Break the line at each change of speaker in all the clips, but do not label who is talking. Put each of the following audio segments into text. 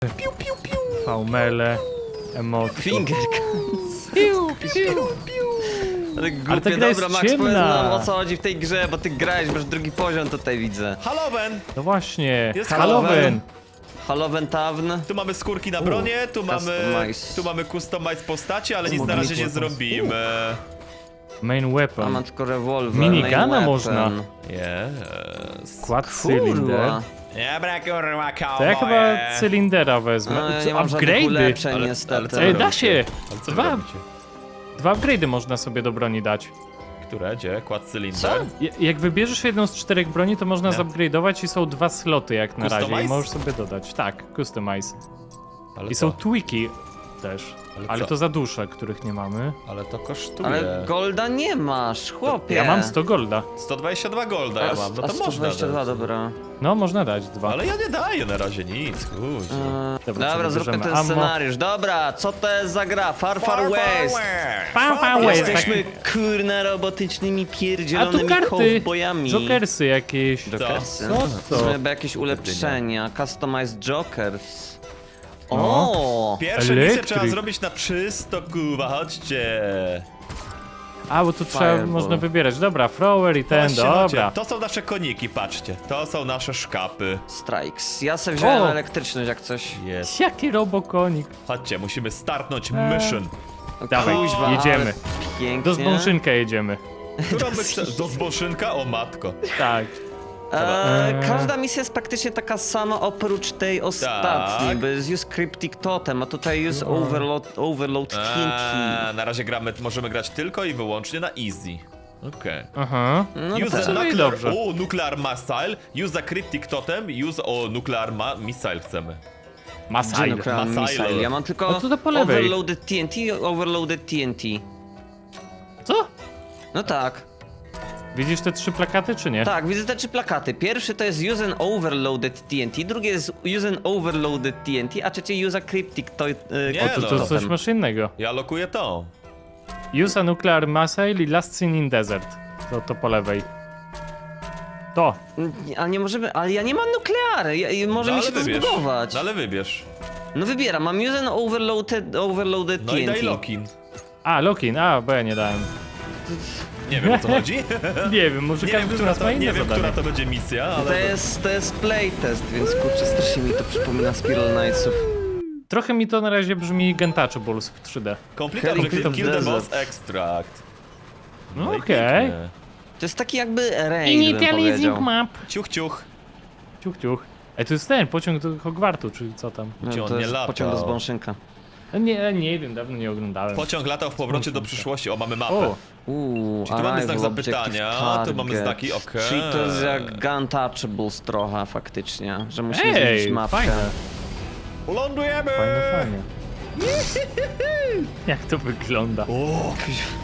Piu, piu, piu.
V-mele, emotki.
Finger
Piu, piu.
Ale
ta
głupie,
gra jest
dobra, Max, powiedz
ciemna.
nam o co chodzi w tej grze, bo ty grałeś, masz drugi poziom tutaj widzę.
Halloween!
No właśnie,
Jest
Halloween.
Halloween Tavern.
Tu mamy skórki na bronie,
customize.
tu mamy customize postaci, ale
Tu
nic na
mogę
razie nie
mieć
zrobimy.
Main
A
weapon.
mam tylko rewolwer.
Minigana
main weapon.
można.
Yes.
Quad cylinder.
Kurwa.
Dobra, kurwa,
To ja chyba
cowboye.
cylindera wezmę.
No, ja
Co,
nie mam żadnych
upgrade'y?
ulepszeń
Ale
niestety.
co
Ej,
wy
da
robicie?
się.
Ale co wy
Dwa.
robicie?
2 upgrade'y można sobie do broni dać.
Które? Gdzie? Kład cylinder?
Co?
Jak wybierzesz jedną z 4 broni, to można
Nie.
zupgrade'ować i są 2 sloty jak na razie
Customize?
i możesz sobie dodać. Tak, customize.
Ale
I
co?
są tweaki też.
Ale
Ale
co?
to za dusze, których nie mamy.
Ale to kosztuje.
Ale golda nie masz, chłopie.
Ja mam 100 golda.
122 golda ja mam, no to można
122,
dać.
dobra.
No, można dać 2.
Ale ja nie daję na razie nic, kurczę.
Dobra,
Dobra,
co
zróbmy
bierzemy?
ten
Ammo.
scenariusz. Dobra, co to jest za gra? Far Far West.
Far, far west.
Jesteśmy kurna robotycznymi
A tu
pierdzielonymi
karty!
cowboyami.
Jokersy jakieś.
Jokersy.
Co to?
Żeby jakieś ulepszenia. Customized Jokers.
No.
O!
Pierwsze misje
Elektryk.
trzeba zrobić na czysto, kurwa, chodźcie.
A, bo tu trzeba,
Fireball.
można wybierać. Dobra, thrower i ten,
Chodźcie,
dobra.
chodźcie. To są nasze koniki, patrzcie. To są nasze szkapy.
Strikes. Ja sobie wziąłem
O!
elektryczność jak coś.
Jest.
Jaki robokonik.
Chodźcie, musimy startnąć mission.
Dawaj,
Kuźwa,
jedziemy.
ale Pięknie.
Do zbąszynka jedziemy.
Którą by chce... Do zboszynka? O matko.
Tak.
Każda misja jest praktycznie taka sama oprócz tej ostatniej,
Tak.
bo jest use Cryptic Totem, a tutaj use Overload TNT.
Na razie gramy, możemy grać tylko i wyłącznie na easy. Okej.
Aha.
No
Use
tak.
the
No i
nuclear,
dobrze.
nuclear missile, use the cryptic totem, use nuclear missile chcemy.
Gdzie
Masaj.
nuclear
Missile.
missile? Ja mam tylko
No to po lewej.
Overloaded TNT i Overloaded TNT.
Co?
No tak.
Widzisz te 3 plakaty, czy nie?
Tak, widzę te 3 plakaty. Pierwszy to jest use an overloaded TNT, drugi jest use an overloaded TNT, a trzeci use a cryptic
Nie,
O, to
no.
coś masz innego.
Ja lokuję to.
Use a nuclear missile i last seen in desert. To po lewej. To.
Ale nie możemy, ale ja nie mam nukleary, może
No,
mi
ale
się to
wybierz.
zbudować.
No ale wybierz.
No wybieram, mam use an overloaded
No i
TNT.
daj lock-in.
A, Lokin. A, bo ja nie dałem.
Nie wiem o co chodzi.
Nie wiem, może
Nie wiem,
każdy z
która
nas ma
to,
inne
nie wiem,
zadanie.
która to będzie misja, ale...
To jest playtest, więc kurczę, strasznie mi to przypomina Spiral Knightsów.
Trochę mi to na razie brzmi Gentouchables w 3D.
Complete
Heading
objective,
to the
kill the
desert.
boss extract.
No
i
okej.
pięknie.
To jest taki jakby raid, bym powiedział.
map.
Ciuch, ciuch.
Ciuch, ciuch. Ej, to jest ten pociąg do Hogwartu, czyli co tam?
No,
Gdzie on
to
nie
jest
latał?
pociąg do Zbąszynka.
Nie wiem, dawno nie oglądałem.
Pociąg latał w powrocie do przyszłości. O, mamy mapę.
O,
Czy tu mamy znak
arrival,
zapytania?
objective
Tu mamy
target.
znaki, okej.
Czyli to jest jak Guntouchables trochę faktycznie, że musimy
ej,
zmienić mapkę.
fajne,
Lądujemy!
fajnie. Jak to wygląda?
O,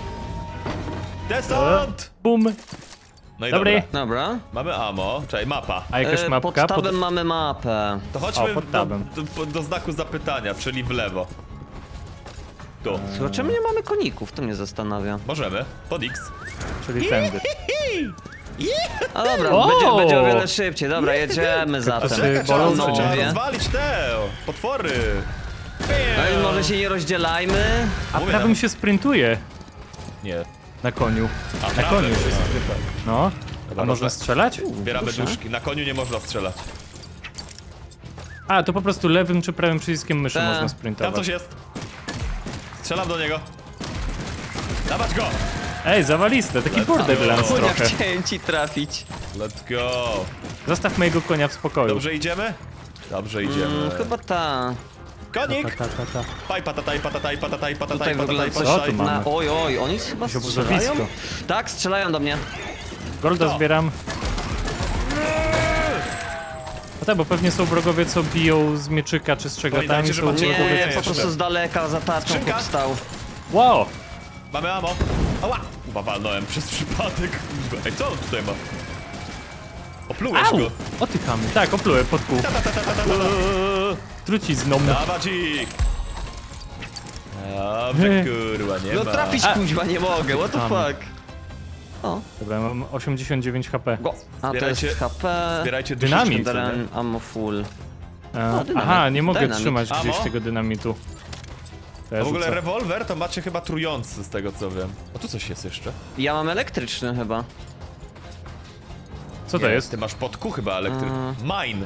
desant!
Bum.
No i
Dobry.
dobra.
Dobra.
Mamy ammo, czyli mapa.
A jakaś
Pod
mapka?
tabem mamy mapę.
To chodźmy
O, pod tabem.
do znaku zapytania, czyli w lewo. Tu.
Słuchaj, czemu nie mamy koników? To mnie zastanawia.
Możemy. Pod X.
Czyli tędy.
A dobra,
O!
będzie o wiele szybciej. Dobra, jedziemy zatem.
Czekaj,
Trzeba,
bolą, czy
trzeba
nie?
rozwalić te potwory.
No i może się nie rozdzielajmy.
A
Mówię
prawym
nam.
się sprintuje
Nie.
na koniu.
A
Na
prawym,
koniu się
no.
sprintuje. No.
Dobra,
A można strzelać?
Zbieramy
Proszę.
duszki. Na koniu nie można strzelać.
A, to po prostu lewym czy prawym przyciskiem myszy
Tak.
można
Tam
sprintować.
coś jest. Strzelam do niego. Dawać go!
Ej, zawaliste, taki Borderlands
Kunia,
trochę.
chciałem ci trafić.
Let's go!
Zostaw mojego konia w spokoju.
Dobrze idziemy? Dobrze idziemy.
Chyba ta.
Konik!
Ta.
Paj, patataj, patataj, patataj, patataj,
Tutaj wygląda
patataj,
coś
Co tu mamy?
na... Oj, oni chyba
Jakieś
strzelają?
obozowisko.
Tak, strzelają do mnie.
Golda
Co?
zbieram. No tak, bo pewnie są wrogowie, co biją z mieczyka czy z czegoś tam.
Pamiętajcie,
i
że
są
macie-
wrogowie,
Nie,
co-
po
jeszcze.
prostu z daleka za tarczą
Skrzynka?
powstał.
Wow!
Mamy ammo. Ała! Chyba walnąłem przez przypadek. Ej, co on tutaj ma? Oplułeś
Au!
go.
Otykamy. Tak, oplułem pod kół. Trucizną.
Dawać ich! Dobrze, kurwa, nie
No
ma.
trafić kuźwa nie mogę, what the
Tam.
fuck. O,
Dobra, mam 89 HP.
go. A to
Zbierajcie-
jest HP.
Zbierajcie
Dynamit.
duszyczki.
Dynamit. Ammo full. dynamit.
Aha, nie mogę
Dynamit.
trzymać gdzieś
Amo?
tego dynamitu. To ja
A w ogóle
rzucę.
rewolwer to macie chyba trujący z tego co wiem. O, tu coś jest jeszcze.
Ja mam elektryczny chyba.
Co to
Nie,
jest?
Ty masz podku chyba elektryczny. Mine.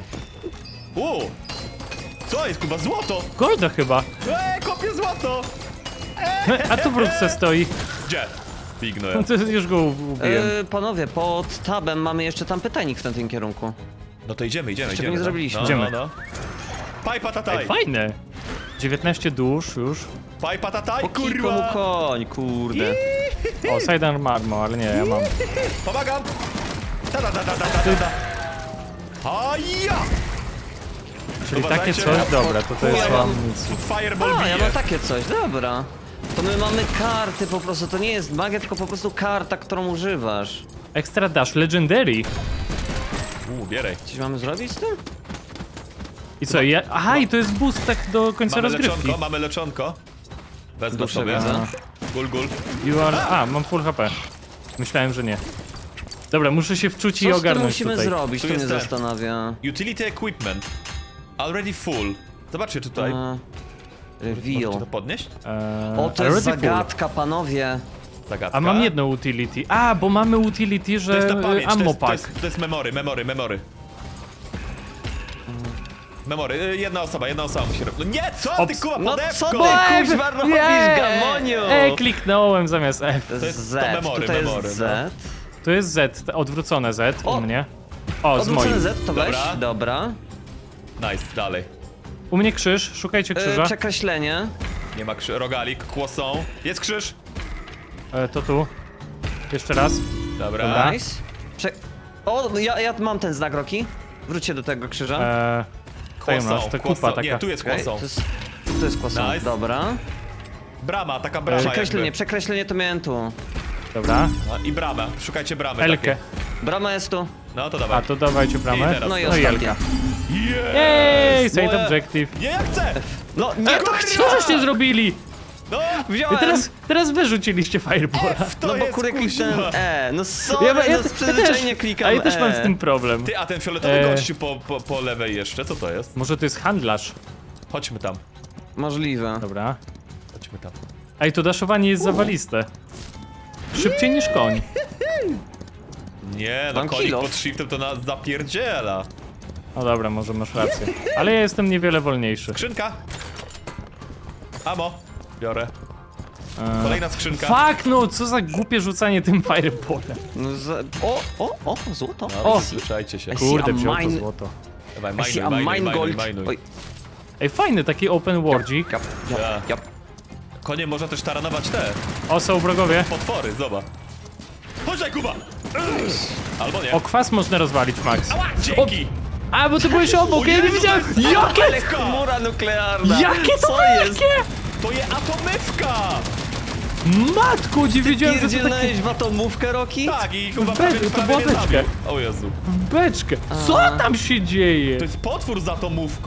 Co jest, Kuba? Złoto!
Golda chyba.
Kopię złoto!
A tu wrócę stoi.
Gdzie? Pignuję.
No to już go ubiłem.
Panowie, pod tabem mamy jeszcze tam pytajnik w tamtym kierunku.
No to idziemy.
Czego nie zrobiliśmy.
No,
Idziemy.
no. Paj patataj!
Ej, fajne. 19 dusz już.
Paj patataj,
Po kilku mu
kurwa!
koń, kurde.
O, sidearm armor, ale nie, ja mam.
Pomagam! Ta. Haja!
Czyli takie
Uważajcie,
coś,
ja
dobra, to jest
ja mam-
amunicja.
Fireball
A, ja
bije.
mam takie coś, dobra. To my mamy karty po prostu, to nie jest magia, tylko po prostu karta, którą używasz.
Extra dash, legendary.
Bieraj.
Coś mamy zrobić z tym?
I co, ja... Aha, i to jest boost tak do końca rozgrywki.
Mamy leczonko. Wezmę
Duszę
sobie.
widzę.
Gul.
You are... A, mam full HP. Myślałem, że nie. Dobra, muszę się wczuć i
Co z tym
ogarnąć
musimy
tutaj.
zrobić,
Tu
to mnie
jest ten.
zastanawia.
Utility equipment. Already full. Zobaczcie tutaj. Możecie to
Reveal.
podnieść?
O, to
already
jest
full.
zagadka, panowie.
Zagadka.
A mam jedno utility. A, bo mamy utility,
To
że
jest na pamięć,
ammo
to
pack.
jest memory. Memory, jedna osoba musi robić. No nie, co ty
Ops.
kuba,
No
podewko!
co ty kuźwa robisz, gamoniu?
Kliknąłem zamiast F.
To
To
jest
jest
Z,
to memory,
tutaj
memory,
jest
no.
Z.
To jest Z, odwrócone Z
O!
u mnie. O, z
Odwrócony
moim.
Z, to weź,
Dobra.
dobra.
Nice, dalej.
U mnie krzyż, szukajcie krzyża.
Przekreślenie.
Nie ma rogalik, kłosą. Jest krzyż.
To tu. Jeszcze raz.
Dobra.
Dobra.
Nice. O, no ja mam ten znak, Roki. Wróćcie do tego krzyża.
Tutaj masz, ta kupa taka.
Nie, tu jest
Okej,
kłosą.
to jest kłosą,
Nice.
dobra.
Brama, taka brama
Przekreślenie,
jakby.
przekreślenie to miałem tu.
Dobra.
No, i brama, szukajcie bramy
Elkę.
takiej.
Brama jest tu.
No to
A
dawaj.
to dawajcie bramę.
I teraz.
No i
No i
ostatnia.
Elka.
Yes!
Ej, side
Moje-
objective.
Nie, jak chcę!
No nie, to
Co żeście zrobili?
No!
I
wziąłem.
teraz wyrzuciliście firebola.
To
No bo
jest
kurde kliknąłem
kuźwa.
No sorry, no z przyzwyczajenia klikam
A ja też mam z
E.
tym problem.
Ty, a ten fioletowy
E.
gościu po lewej jeszcze, co to jest?
Może to jest handlarz.
Chodźmy tam.
Możliwe.
Dobra.
Chodźmy tam.
Ej, to daszowanie jest zawaliste. Szybciej niż koń.
Nie, no
Mam
konik
kill off.
pod shiftem to nas zapierdziela.
No dobra, może masz rację. Ale ja jestem niewiele wolniejszy.
Skrzynka. Amo. Biorę. Kolejna skrzynka.
Fuck no, co za głupie rzucanie tym fireballem.
No o, złoto.
No,
O!
słyszajcie się.
I see
Kurde,
a
wziął to
mine-
złoto.
Dawaj,
I see a
majnuj,
mine gold.
majnuj.
Oj,
Ej, fajny taki open worldzik.
Tak.
jap.
Konie można też taranować te
O, są wrogowie.
potwory, zobacz. Chodź tutaj, Kuba! Albo nie.
O, kwas można rozwalić, Max.
Ała, dzięki!
A, bo ty byłeś obok,
O
ja nie
Jezu,
widziałem.
to jest
Jakie?
Ale chmura nuklearna.
Jakie to
Co jest?
wielkie?
To jest atomywka!
Matku, nie wiedziałem, że to takie...
Pierdzielnałeś w atomówkę, Roki?
Tak, i Kuba
Be-
prawie,
to
prawie
była
mnie
beczka.
zabił. O Jezu.
Beczkę. Co tam się dzieje?
To jest potwór z atomówką.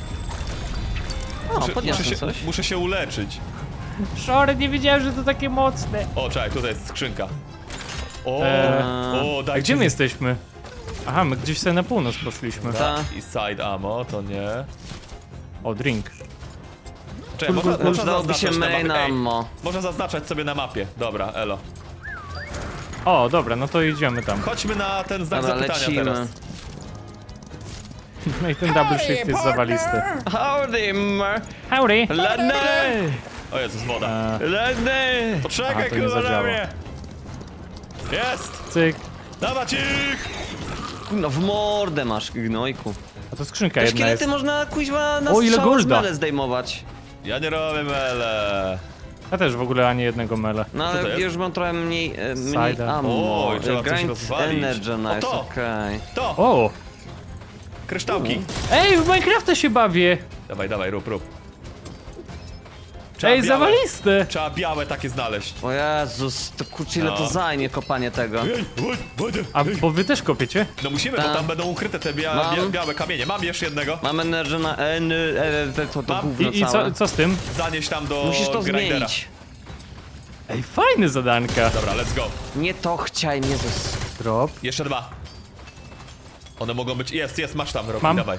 O, podniosłem coś.
Muszę się uleczyć.
Sorry, nie wiedziałem, że to takie mocne.
O, czekaj, tutaj jest skrzynka. O, o,
A
dajcie
gdzie my
mi-
jesteśmy? Aha, my gdzieś sobie na północ poszliśmy.
Ta.
I side ammo, to nie.
O, drink.
Czekaj, można
Przydałoby się
zaznaczać na
main
mapie. Ej,
ammo.
można zaznaczać sobie na mapie. Dobra, elo.
O, dobra, no to idziemy tam.
Chodźmy na ten znak
Dobra,
zapytania
lecimy.
teraz.
No i ten double shift jest zawalisty.
Howdy,
Howdy!
Ledny!
O Jezus, woda.
Ledny!
A,
Poczekaj,
to nie
kurwa, na
zadziała.
mnie! Jest!
Cyk.
Dawać ich!
No w mordę masz, gnojku.
A to skrzynka
Te
jedna
szkielety
jest.
można kuźwa na
O, ile
strzał z
golda.
mele zdejmować.
Ja nie robię mele.
Ja też w ogóle ani jednego mele.
No
Co to
ale
jest?
już mam trochę mniej
Cider.
ammo.
Oj, trzeba coś
Grind
rozwalić.
Energy,
O,
nice,
to.
okej.
To!
O!
Kryształki.
Ej, w Minecrafta się bawię!
Dawaj, dawaj, rób. Trzeba
Ej,
białe-
zawaliste!
Trzeba białe takie znaleźć.
O Jezus, to kurczę ile
No.
to zajmie kopanie tego.
A, bo wy też kopiecie?
No musimy,
Ta.
bo tam będą ukryte te
Mam.
białe kamienie. Mam jeszcze jednego.
Mam energy na to
Mam.
gówno
I
całe.
co z tym?
Zanieś tam do
Musisz to
grindera.
zmienić.
Ej, fajne zadanka.
Dobra, let's go.
Nie to chciałem, Jezus.
Drop.
Jeszcze dwa. One mogą być... Jest, masz tam, Rocky,
Mam.
dawaj.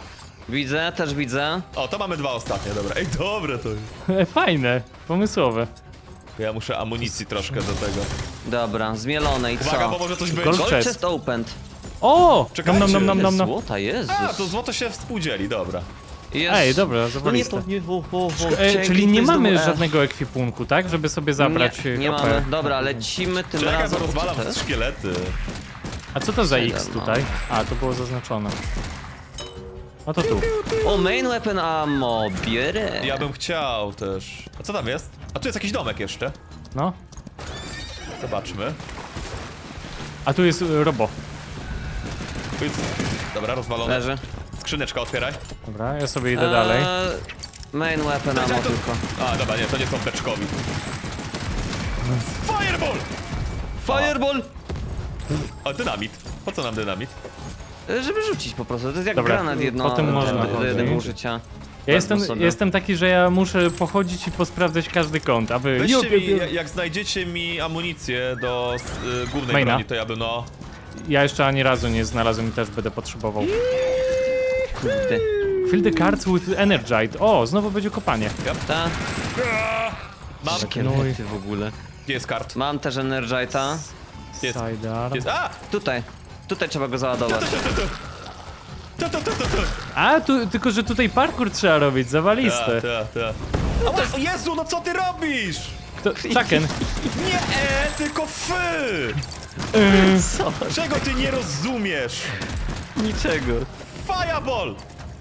Widzę, też widzę.
O, to mamy 2 ostatnie, dobra. Ej, dobre to jest.
Fajne, pomysłowe.
Ja muszę amunicji troszkę do tego.
Dobra, zmielone i co?
Uwaga, bo może coś być.
Gold
Gold
chest.
chest opened.
O!
Czekajcie.
Nom.
Złota, Jezus.
A, to złoto się współdzieli, dobra.
Jest.
Ej, dobra,
No nie,
zawaliste.
to nie,
Czyli nie
to jest
mamy
znowu E.
żadnego ekwipunku, tak? Żeby sobie zabrać
Nie, nie
HP.
mamy. Dobra, lecimy tym
Czekaj,
razem.
bo rozwalam
Co to jest?
szkielety.
A co to za X
No.
tutaj? A, to było zaznaczone. No to tu.
O, main weapon ammo, bierę.
Ja bym chciał też. A co tam jest? A tu jest jakiś domek jeszcze.
No.
Zobaczmy.
A tu jest robo.
Tu jest... Dobra, rozwalone.
Leży.
Skrzyneczka otwieraj.
Dobra, ja sobie idę dalej.
Main weapon ammo
to-
tylko.
A, dobra, nie, to nie są beczkowi. Fireball!
Fireball!
A, dynamit. Po co nam dynamit?
Żeby rzucić po prostu, to jest jak
Dobra,
granat jedno
potem można
do jednego
chodzić.
użycia.
Ja jestem,
Wezmę sobie.
jestem taki, że ja muszę pochodzić i posprawdzać każdy kąt, aby...
Weźcie mi, jak znajdziecie mi amunicję do głównej
Maina.
broni, to ja bym no...
Ja jeszcze ani razu nie znalazłem i też będę potrzebował.
Kurde.
Fill the cards with energite. O, znowu będzie kopanie.
Ta,
Mam...
szkielety w ogóle.
Gdzie jest kart?
Mam też Energita.
Jest.
Sidearm.
Jest. A!
Tutaj. Tutaj trzeba go załadować.
A, tu, tylko że tutaj parkour trzeba robić, zawaliste.
O Jezu, no co ty robisz?
Kto? Chucken.
Nie, tylko fy!
Co?
Czego ty nie rozumiesz?
Niczego.
Fireball!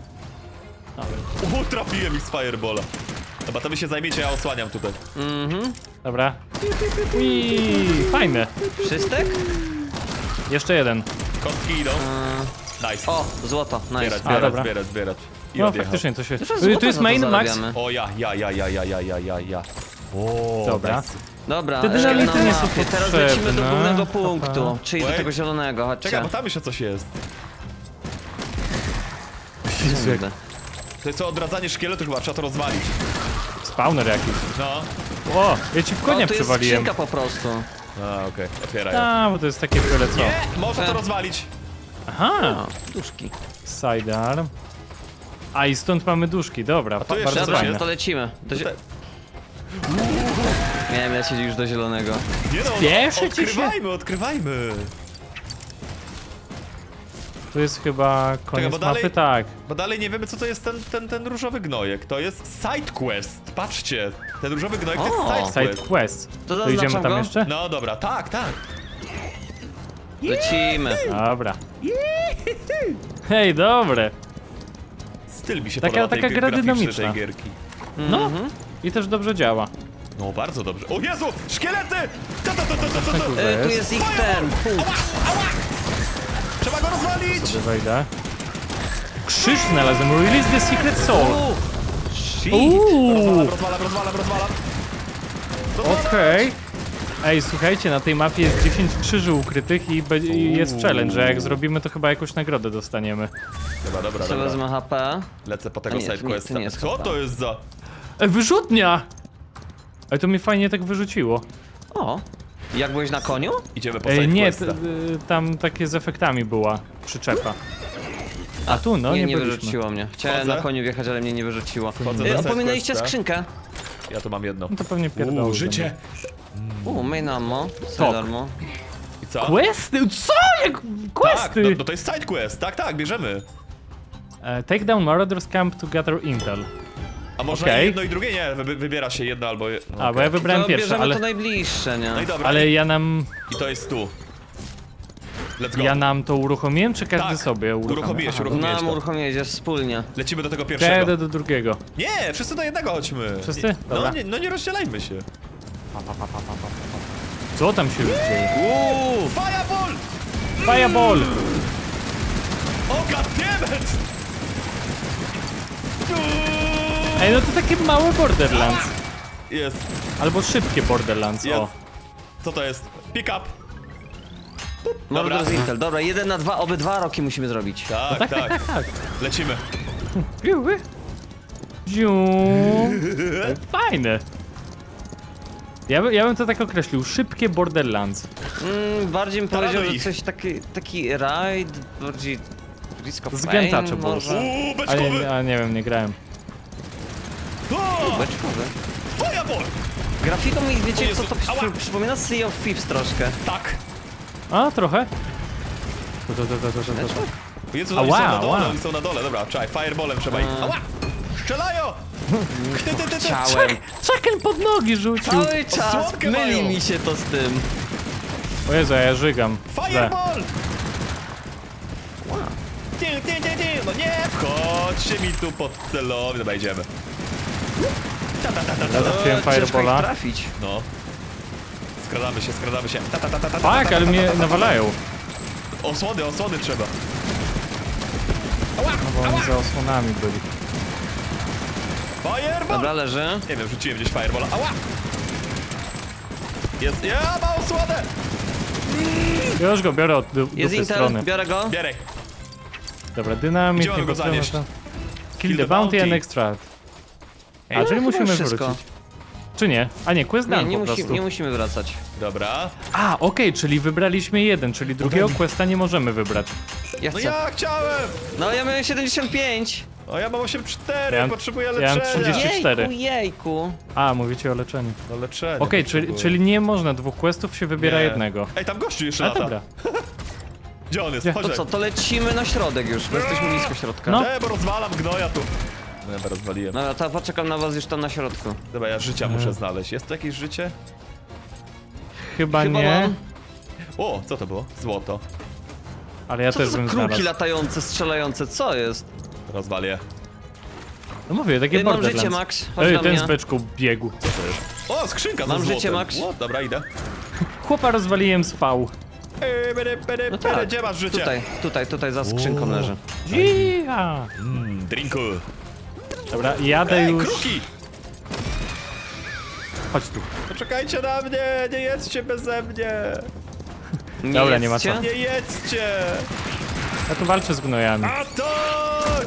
Trafiłem ich z Firebola. Dobra, to wy się zajmiecie, ja osłaniam tutaj.
Dobra. Ui, fajne.
Wszystek?
Jeszcze jeden.
Kostki idą. Nice.
O, złoto, nice.
Zbierać,
A, dobra.
zbierać. I
No
odjechał.
faktycznie to się...
Dużo złota
Tu jest
za to
main, max.
zarabiamy.
O ja. O,
Dobra.
nice.
Dobra,
Te dynamity
na
nie są
mapie. Teraz lecimy do
potrzebne.
głównego punktu, czyli do
Wait.
tego zielonego, chodźcie.
Czekaj, bo tam jeszcze coś jest.
Kurde.
To jest to odradzanie szkieletu, chyba trzeba to rozwalić.
Spawner jakiś.
No.
O, ja ci w konia
O, tu jest
przywaliłem.
skrzynka po prostu.
A, okej, otwieraj. ją.
A, bo to jest takie byle co.
Nie, można to rozwalić.
Aha,
O, duszki.
sidearm. A i stąd mamy duszki, dobra,
tu jeszcze
bardzo
coś
Dobra,
fajne.
to lecimy.
Tutaj-
Miałem lecieć już do zielonego.
Nie no,
Spieszy ci się?
odkrywajmy.
Tu jest chyba koniec
bo dalej-
mapy, tak.
Bo dalej nie wiemy, co to jest ten różowy gnojek. To jest side quest. Patrzcie, ten różowy gnojek to
O,
jest side
Side
quest.
quest.
To
To idziemy
zaznaczam
tam
go?
jeszcze?
No dobra, tak.
Lecimy.
Dobra. Hej, dobre.
Styl mi się
Taka-
podoba
taka
tej
gra
graficzny
dynamiczna.
tej gierki.
No, i też dobrze działa.
No bardzo dobrze. O Jezu, szkielety!
Tu
Tu jest ich ten punkt.
Trzeba go rozwalić!
Sobie wejdę. Krzyż znalazłem. Release the secret soul.
Shit.
Rozwalam.
Okej. Ej, słuchajcie, na tej mapie jest 10 krzyży ukrytych i jest challenge, że jak zrobimy, to chyba jakąś nagrodę dostaniemy.
Dobra.
Co wezmę HP?
Lecę po
A
tego
nie, to
side
nie-
questa.
to nie jest
Co
chyba.
to jest za...
Wyrzutnia! Ej, to mnie fajnie tak wyrzuciło.
O, jak byłeś na koniu?
Idziemy po side
Nie,
questa.
tam takie z efektami była przyczepa. A tu, no, nie
nie
byliśmy.
wyrzuciło mnie. Chciałem
Wchodzę.
na koniu wjechać, ale mnie nie wyrzuciło.
Wchodzę do side
Opominaliście
questa.
skrzynkę.
Ja tu mam jedno.
No to pewnie pierdolę.
Życie!
Main ammo,
Tok.
sidearmo.
I co?
Questy? Co? Jak
Tak,
questy?
no to jest side quest. Tak, bierzemy.
Take down Marauders Camp to gather intel.
A może
Okej.
jedno i drugie? Nie, wybiera się jedno albo... No,
A, bo ja wybrałem
To
pierwsze,
bierzemy
ale,
to najbliższe, nie?
No i dobra,
ale ja nam
let's go.
Ja nam to uruchomiłem, czy każdy
Tak,
sobie uruchomił?
uruchomiłeś,
Aha.
uruchomiłeś.
Nam
to.
uruchomienie wspólnie.
Lecimy do tego
Ja
pierwszego.
jadę do drugiego.
Nie, wszyscy do jednego chodźmy.
Wszyscy? Dobra.
No nie rozdzielajmy się.
Co tam się dzieje?
Fireball!
Fireball!
O, goddammit!
Ej, no to takie małe Borderlands.
Jest,
Albo szybkie Borderlands,
jest.
o.
Co to jest? Pick up.
Mordor z Intel. Dobra, 1 na 2, obydwa roki musimy zrobić.
Tak, tak.
Tak.
Lecimy.
Ziu. Fajne. Ja bym to tak określił, szybkie Borderlands.
Bardziej bym powiedział, że
Paranoik.
coś taki raid, bardziej Risk of
Z
Fame
Gentacze było.
może?
Uuu,
A
beczkowy!
nie wiem, nie grałem.
O!
Beczkowy.
Fireball!
Grafiką mi,
O
wiecie
Jezu,
co, to
ała.
przypomina Sea of Thieves troszkę.
Tak!
A, trochę? To.
Jezu,
Ała,
oni są na dole,
ała.
oni są na dole, dobra, czekaj, fireballem trzeba ich... Ała! Strzelają! Ty.
Chciałem.
Chucken pod nogi rzucił.
Cały czas
Osłonkę
myli
mają.
mi się to z tym.
O Jezu, a ja żygam. Źle.
Fireball! Ty, no nie! Wchodźcie mi tu pod celownię, dobra, idziemy.
Ja trafiłem
Ciężko ich
Firebola.
trafić.
No. Skradamy się.
Tak, ale mnie nawalają.
Osłony trzeba.
No bo oni za osłonami byli.
Fireball!
Dobra, leży.
Nie wiem, rzuciłem gdzieś fireballa. Ała! Jest, ja mam osłonę!
Ja już go biorę od
Jest
dupy
Intel,
strony.
biorę go.
Bieraj.
Dobra, dynamit,
Gdzie mamy go
potrzebne
zanieść?
to. Kill the bounty and extract. A, czyli
chyba
musimy
wszystko.
wrócić. Czy nie? A nie, quest
Nie,
done
nie,
po prostu.
nie musimy wracać.
Dobra.
A, okej, czyli wybraliśmy jeden, czyli drugiego questa nie możemy wybrać.
Ja
No
chcę.
ja chciałem!
No ja miałem 75.
O, ja mam 8-4,
Ja mam-
potrzebuję
ja mam
leczenia.
34.
Jejku.
A, mówicie o leczeniu.
No leczenie.
Okej,
potrzebuję.
czyli nie można dwóch questów, się wybiera
Nie.
jednego.
Ej, tam gościu jeszcze
A
lata.
dobra.
Gdzie on jest?
Gdzie?
Chodź.
To co, to lecimy na środek już, bo jesteśmy blisko środka.
No.
Bo rozwalam gnoja tu. No ja rozwaliłem.
Dobra, to poczekam na was już tam na środku.
Dobra, ja życia muszę znaleźć. Jest tu jakieś życie?
Chyba
Chyba
nie,
mam.
O, co to było? Złoto.
ale ja
Co to
też
za
bym
kruki
znalazł.
latające, strzelające, co jest?
Rozwalię.
No mówię, takie
Ej, mam
Borderlands.
życie, Max. Chodź
Ej,
na
ten
mnie.
z beczką biegł.
O, skrzynka
Mam
ze
życie,
złotem.
Max.
O, dobra, idę.
Chłopa rozwaliłem z V.
No tak,
Gdzie masz życie?
tutaj za skrzynką leży.
Jija!
Drinku.
Dobra, jadę
Ej,
już.
kruki!
Chodź tu.
Poczekajcie na mnie, nie jedzcie beze mnie.
Dobra, nie ma
jedzcie?
co.
Nie jedzcie.
Ja tu walczę z gnojami.
Atak!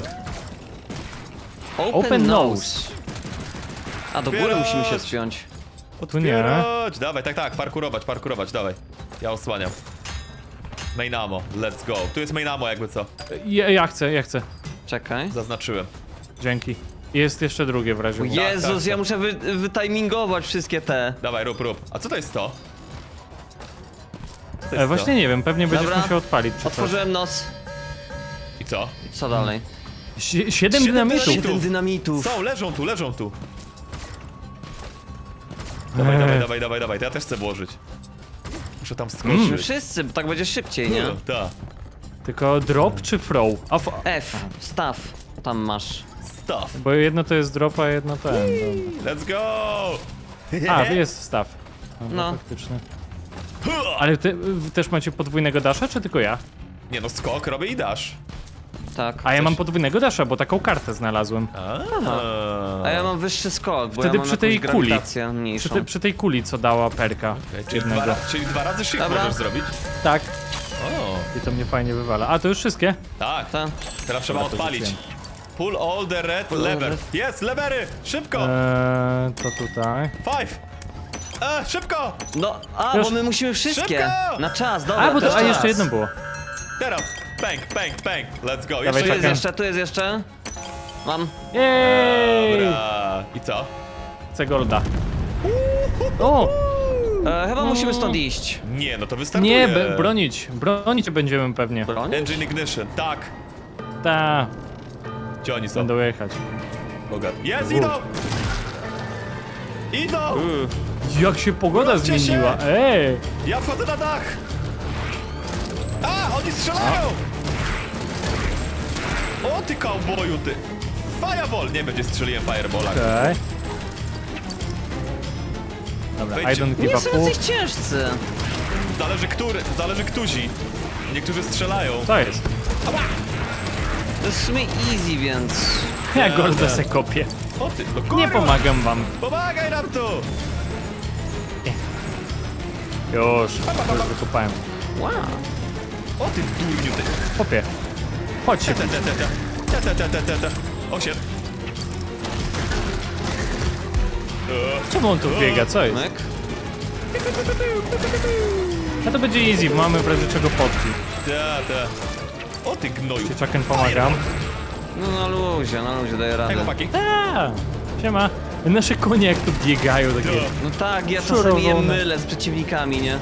Open nose. A do góry
Otwierać.
musimy się spiąć.
Tu nie.
Otwierać. Dawaj, tak, parkurować, dawaj. Ja osłaniam. Main ammo, let's go. Tu jest main ammo jakby co.
Ja chcę.
Czekaj.
Zaznaczyłem.
Dzięki. Jest jeszcze drugie w razie.
O
W.
Jezus,
tak.
ja muszę wytimingować wszystkie te.
Dawaj, rób. A co to jest to? Co to jest
Właśnie nie wiem, pewnie będziesz
Dobra.
musiał odpalić czy coś.
Otworzyłem nos.
to? I co?
I co dalej?
7 dynamitów.
dynamitów.
7 dynamitów.
Są, leżą tu. Dawaj, to ja też chcę włożyć. Muszę tam
Musimy
skoczyć.
wszyscy, bo tak będzie szybciej, nie?
Tak.
Tylko drop czy throw?
F, staw. Tam masz.
Stuff.
Bo jedno to jest drop, a jedno ten.
Let's go!
A, jest staw.
No.
Faktycznie. Ale wy też macie podwójnego dasza, czy tylko ja?
Nie no, skok robię i dasz.
Tak.
A ja mam podwójnego dasza, bo taką kartę znalazłem.
A ja mam wyższy skok, bo
Wtedy
ja mam
przy tej
jakąś
kuli.
grawitację mniejszą.
Przy tej kuli, co dała perka.
Okay, czyli,
jednego.
czyli dwa razy shift
Dobra.
możesz zrobić?
Tak.
O,
I to mnie fajnie wywala. A, to już wszystkie?
tak.
Ta.
Teraz trzeba
Dobra, to
odpalić.
rzuciłem.
Pull all the red
Pull all
lever.
red.
Jest, levery! Szybko!
To tutaj.
5! Szybko!
No, a,
Już.
bo my musimy wszystkie.
Szybko!
Na czas, dobra.
A, bo
to
to, a
czas.
jeszcze jedno było.
Teraz! Bang! Let's go!
Dawaj,
Jeszcze
Tu jest
czekam.
jeszcze, tu jest jeszcze. Mam.
Jej!
Dobra. I co?
Chcę golda. O!
Chyba musimy stąd iść.
Nie, no to wystartuje.
Nie, bronić. Bronić będziemy pewnie.
Broń?
Engine ignition, tak.
Ta,
Gdzie oni są?
będą jechać.
Bogat. Jest, idą! Idą!
Jak się pogoda
Wróćcie się!
zmieniła. Ej!
Ja wchodzę na dach! A, oni strzelają! O ty cowboyu, ty! Fireball! Nie będzie strzeliłem fireballa.
Okej. Dobra, I
Wejdźcie.
don't give
Nie
a
są
fuck.
jacyś ciężcy.
Zależy którzy. Niektórzy strzelają.
Co jest?
To jest w sumie easy, więc...
Ja golda se kopię.
O ty, no kurwa!
Nie pomagam wam.
Pomagaj nam tu!
Już wykopałem.
Wow.
O ty durniu, ty!
Kopię. Chodź się.
O shit.
Czemu on tu biega? Co jest?
Myk.
A to będzie easy, bo mamy w razie czego potki.
Ta. O ty gnoju.
Czaken pomagam.
No na luzie daję
Hej,
radę.
chłopaki.
Siema. Nasze konie jak tu biegają takie.
No tak, ja
Szurowone.
czasami je mylę z przeciwnikami, nie?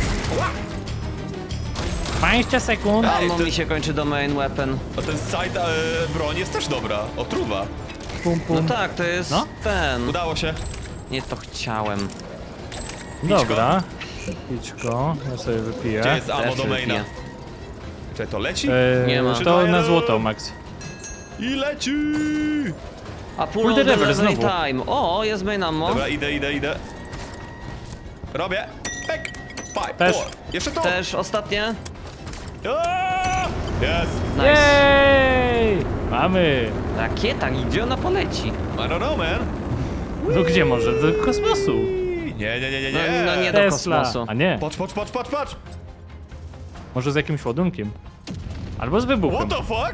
20 sekund.
Ammo
to-
mi się kończy do main weapon.
A ten side broń jest też dobra. Otruwa.
Pum,
No
pum.
tak, to jest
No.
ten.
Udało się.
Nie to chciałem.
Dobra. Pićko, ja sobie wypiję.
Gdzie jest ammo
Też
do maina?
wypiję.
Czy to leci?
Nie ma.
To na złoto, Max.
I leci!
A pull
Kurde,
on the
reverse
level
znowu.
time. O, jest main ammo.
Dobra, idę. Robię. Pek. Five,
Też.
four. Jeszcze to.
Też ostatnie.
Aaaa! Jest.
Nice.
Jej! Mamy!
Rakieta, gdzie ona poleci?
I don't know, man.
No gdzie może? Do kosmosu.
Nie.
No nie do
Tesla.
kosmosu.
A nie,
Patrz.
może z jakimś ładunkiem. Albo z wybuchem.
What the fuck?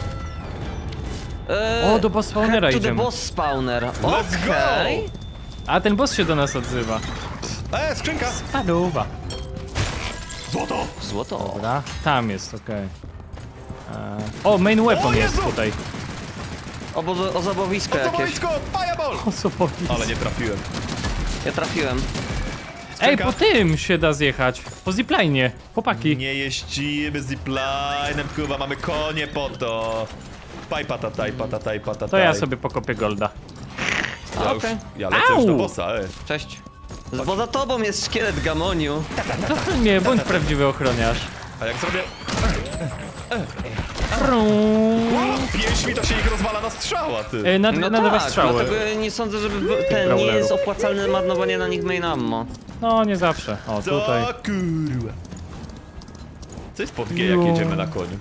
O, do boss spawnera
head to the
idziemy.
boss spawner.
Let's
Okej.
A ten boss się do nas odzywa.
Skrzynka.
Paduwa.
Złoto.
Złoto.
Dobra, tam jest, okej. O, main weapon
O
jest
Jezu!
tutaj.
Ozobowisko jakieś.
Ozobowisko. Fireball.
O, co powiedz?
Ale nie trafiłem.
Ja trafiłem.
Ej, po tym się da zjechać. Po zipline'ie. Chłopaki.
Nie jeździmy ziplinem, kurwa, mamy konie po to. Patataj.
To ja sobie pokopię golda.
Ja, już,
Okej.
ja lecę już do
Au!
bossa,
Cześć. Bo za tobą jest szkielet Gamoniu.
Nie, bądź prawdziwy ochroniarz.
A jak zrobię
Frum.
pięśmi, to się ich rozwala na strzała, ty.
Na
No
nowe
tak,
strzały.
dlatego nie sądzę, żeby ten nie
brawlerów.
jest opłacalne marnowanie na nich main ammo.
No, nie zawsze. O,
Co
tutaj.
kurwa. Co jest pod G, jak
Jo.
jedziemy na koniu?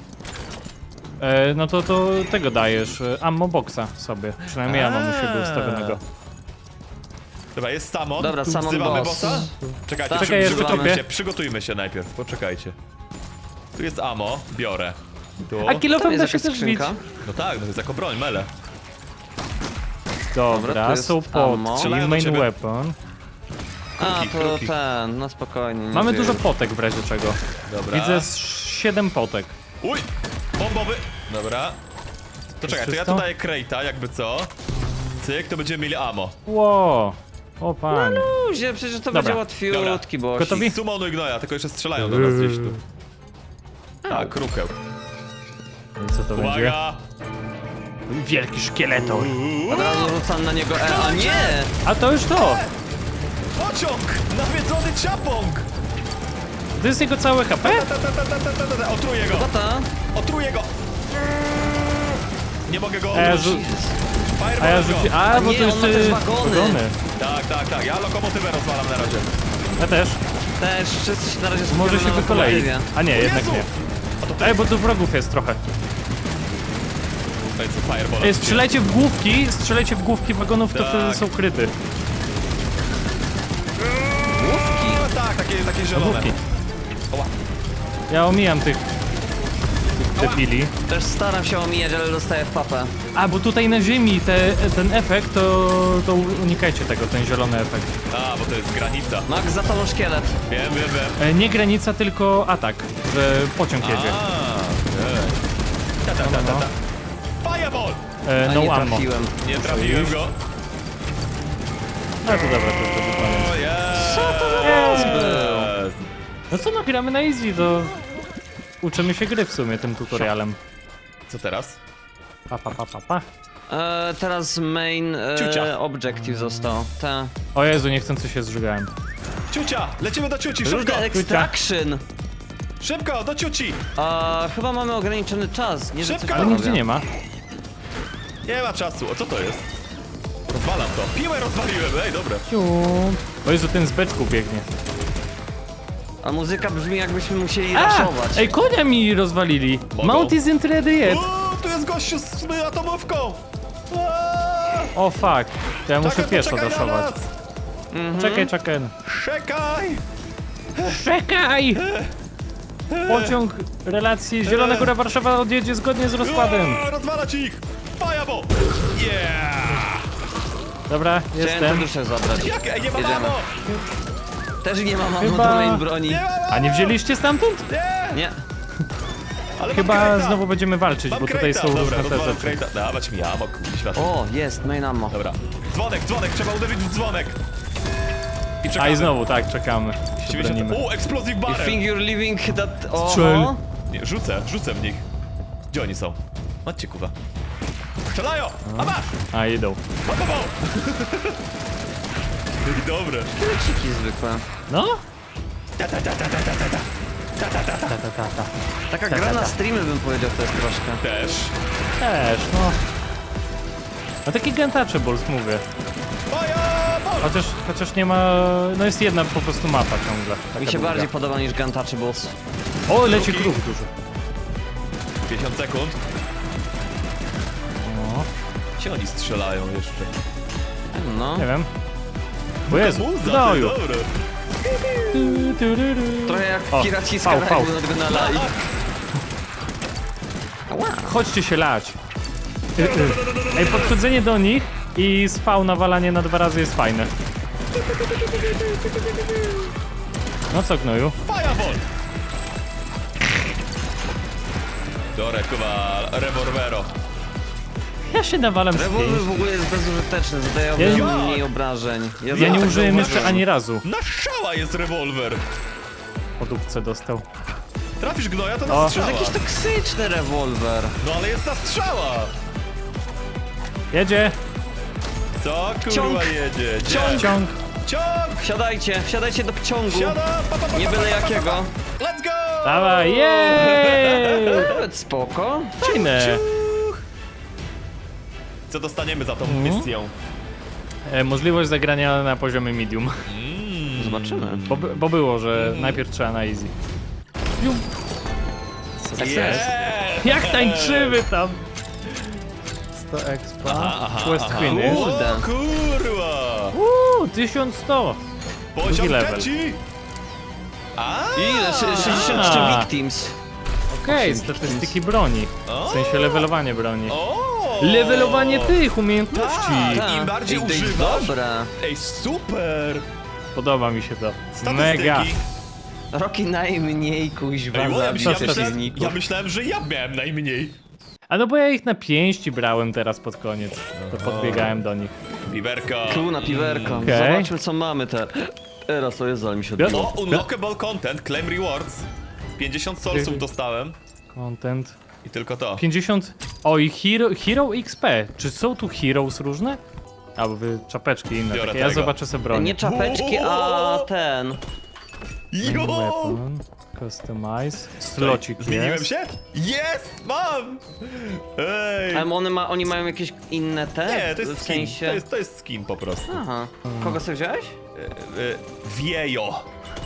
No to tego dajesz. Ammo boxa sobie. Przynajmniej ja mam u siebie ustawionego.
Dobra, jest Samon.
Dobra, Samon
Wzywamy
boss.
bossa? Czekajcie,
Tak,
Czekaj, jeszcze
przygotujmy
kopię.
się, przygotujmy się najpierw, poczekajcie. Tu jest ammo, biorę. Tu.
A
Tam
kilofem da
jest
się
jakaś
też bić.
skrzynka.
No tak, no to jest jako broń, mele.
Dobra,
Dobra,
tu jest
są
ammo.
pot i
Strzelają do
main
ciebie.
weapon.
A,
Kruki,
to
kruki.
ten, no spokojnie. nie
Mamy
dzieje.
dużo potek w razie czego.
Dobra.
Widzę 7 potek.
Uj! Bombowy! Dobra. To czekaj, to ja
wszystko?
tu daję crate'a, jakby co. Cyk, to będziemy mieli ammo.
Ło! O panie.
Luzie, przecież to
Dobra,
będzie łatwiutki, bo
Gotowi?
Sumonuj gnoja, tylko jeszcze strzelają do nas gdzieś tu. Tak, krukeł.
I co to będzie?
Uwaga!
Wielki szkieletor.
Od razu rzucam na niego a nie!
A to już to!
Pociąg! Nawiedzony ciapąg!
To jest jego całe HP?
Otruję go!
Tata?
Otruję go! Nie mogę go
A ja,
otruć.
a ja
Fireball
rzuci...
go!
A, bo
nie,
to
on
jeszcze...
ma też wagony.
Tak, ja lokomotywę rozwalam na razie.
Ja też.
Też wszyscy się na razie
Może
skupiamy
się
na
wykolei.
lokomotywie.
A nie, jednak
Jezu!
nie.
A to
Ej, bo tu wrogów jest trochę.
to jest fireball.
Ej, strzelajcie w główki wagonów, to
Tak.
wtedy są kryty.
Główki?
Tak, takie zielone.
Główki.
Oła.
Ja omijam tych debili.
Też staram się omijać, ale dostaję w papę.
A, bo tutaj na ziemi ten efekt, to unikajcie tego, ten zielony efekt.
A, bo to jest granica.
Max, za tobą szkielet.
Wiem.
Nie granica, tylko atak, że pociąg jedzie.
Fireball!
A
No
nie
ammo.
trafiłem.
Nie trafiłem go.
A to dobra, to już będzie koniec.
O, jest!
Co to
Jest!
No co, no gramy na easy, to uczymy się gry w sumie tym tutorialem.
Co teraz?
Pa.
Teraz main
Ciucia.
objective został. Ta.
O Jezu, niechcący się zżygałem.
Ciucia! Lecimy do ciuci, szybko!
Rude extraction!
Szybko, do ciuci!
Chyba mamy ograniczony czas. Nie, że coś
Szybko!
Ale
panowie.
nigdzie nie ma.
Nie ma czasu. O, co to jest? Rozwalam to. Piłę rozwaliłem, ej, dobra.
Ciu. O Jezu, ten z beczką biegnie.
A muzyka brzmi jakbyśmy musieli raszować.
Ej, konia mi rozwalili.
Mogą.
Mount isn't ready yet.
O, tu jest gościu z atomówką! Aaa!
O fuck. To ja muszę
Czekaj,
pieszo
poczekaj na
daszować.
nas!
Czekaj.
Czekaj!
Czekaj! Pociąg relacji Zielona Góra Warszawa odjedzie zgodnie z rozkładem.
O, rozwalać ich! Fireball! Yeah!
Dobra,
Chciałem tę
jestem.
duszę zabrać.
Jak? Ej, nie ma
Jedziemy.
mamo!
Też nie mam ammo
Chyba-
do main broni.
Nie ma mamo!
A nie wzięliście stamtąd?
Nie!
Nie.
Ale
Chyba
mam crate'a.
znowu będziemy walczyć,
Mam
bo tutaj
crate'a.
są
Dobra,
różne te
rozwalam
rzeczy.
crate'a. Dawać mi ammo, światło.
O, jest, main ammo.
Dobra. Dzwonek, trzeba uderzyć w dzwonek. I czekamy.
A i znowu, tak, czekamy. Się
90...
bronimy.
O, explosive
You
barrel.
think you're living that...
Strzel.
Oho.
Nie, rzucę w nich. Gdzie oni są? Chodźcie, kuwa. Strzelają! A masz!
A, idą.
Pa, pa, pa. I dobre.
Kreciki zwykłe.
No?
Ta, ta, ta, ta, ta, ta, ta, ta.
Taka gra na streamy bym powiedział to jest troszkę.
Też.
Też, no. No taki Untouchables, mówię.
Fire!
Chociaż nie ma... No jest jedna po prostu mapa ciągle. Taka
Mi się
długa.
bardziej podoba niż Untouchables.
O, leci
Drugi.
kruk duży.
50 sekund.
No,
Gdzie oni strzelają jeszcze?
No.
nie wiem. O Jezu,
Muza, ty,
gnoju.
dobre.
Trochę jak
O,
piraci z
fał,
Karaibu
fał.
nadgonala i... Ała.
Chodźcie się lać. Ej, podchodzenie do nich i z V nawalanie na 2 razy jest fajne. No co, gnoju?
Fireball! Dore, kuwa, rewolwero.
Ja się nawalam z
Rewolwer w
5.
ogóle jest bezużyteczny, zadaje
Ja-
mniej obrażeń.
Ja nie
tak
użyłem jeszcze
zauważyłem.
ani razu.
Na szała jest rewolwer.
Po dupce dostał.
Trafisz gnoja, to
O.
na
To
strzała.
jest jakiś toksyczny rewolwer.
No ale jest na strzała.
Jedzie!
Co kurwa
Ciąg.
jedzie? Gdzie?
Ciąg.
Ciąg!
Ciąg!
Wsiadajcie do pociągu.
Siada! Pa, pa, pa,
Nie
pa,
byle
pa, pa, pa,
jakiego.
pa. Let's go!
Dawaj, jej!
Nawet spoko.
Fajne!
Ciuch. Co dostaniemy za tą misję?
Możliwość zagrania na poziomie medium.
Zobaczymy.
Bo było, że najpierw trzeba na easy. Jum.
Yeah.
Jak tańczymy tam! 100 expa.
aha,
Quest
aha.
finish.
Kurde.
O kurwa!
1100!
Poziom
Drugi level.
trzeci! A!
Ile? 63
A.
victims.
Okej, statystyki broni. W sensie levelowanie broni.
O!
Levelowanie tych umiejętności!
Tak. Im bardziej
Ej, to jest
używasz-
dobre.
Ej, super!
Podoba mi się to.
Statystyki.
Mega!
Roki najmniej kuźwa
Ej,
zabić
myślałem-
przeciwników.
ja myślałem, że ja miałem najmniej.
A no bo ja ich na pięści brałem teraz pod koniec. To podbiegałem do nich.
Piwerka.
Tu na piwerko.
Okej.
Zobaczmy co mamy teraz. To jest, ale mi się
Ja-
odbiło.
O, unlockable content, claim rewards. 50 solsów dostałem.
Content.
I tylko to.
50... O i Hero XP. Czy są tu Heroes różne? Albo wy czapeczki inne
Biorę
takie. Ja
tego.
zobaczę sobie broń.
Nie czapeczki, a ten.
Main
Jo!
weapon. Customize. Slocik
Zmieniłem
jest.
się? Jest! Mam! Ej!
Ale oni mają jakieś inne te?
Nie, to jest
w
skin.
sensie.
To jest skin po prostu.
Aha. Kogo sobie wziąłeś?
Wiejo.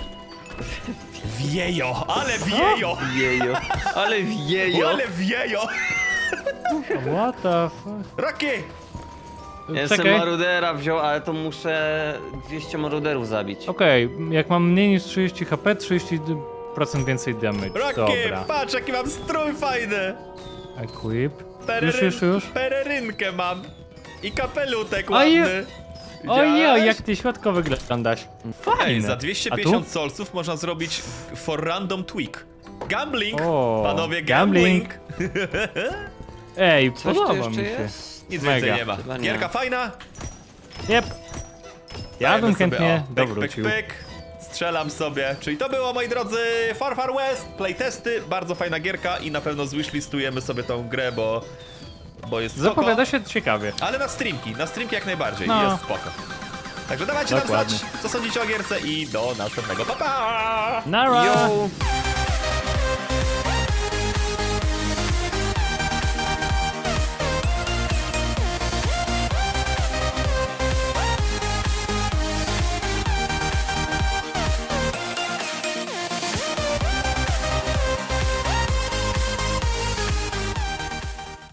Wiejo, ale wiejo!
Wiejo. Ale wiejo.
Ale wiejo!
What the fuck?
Rocky!
Ja jestem
Czekaj.
marudera wziął, ale to muszę 200 maruderów zabić.
Okej, jak mam mniej niż 30 HP, 30% więcej damage.
Rocky!
Dobra.
Patrz jaki mam strój fajny!
Equip. Już.
Pererynkę mam. I kapelutek
A je-
ładny.
Ojej,
Widziałeś?
jak ty świadko wyglądasz. Fajne.
Ej, za
A
250
tu?
solców można zrobić for random tweak. Gambling!
O,
Panowie,
gambling.
gambling!
Ej,
Coś tu
podoba
jeszcze
mi się.
jest?
Nic
Mega.
więcej nie ma.
Chyba nie.
Gierka fajna?
Jep. Ja
Dajemy
bym
sobie,
chętnie
pyk,
dowrócił.
Pyk, pyk. Strzelam sobie. Czyli to było, moi drodzy, Far Far West, playtesty, bardzo fajna gierka i na pewno zwishlistujemy sobie tą grę, bo jest spoko.
Zapowiada się ciekawie.
Ale na streamki jak najbardziej,
No.
jest spoko. Także dawajcie nam
Dokładnie.
znać, co sądzicie o gierce i do następnego. Pa, pa!
Nara!
Yo!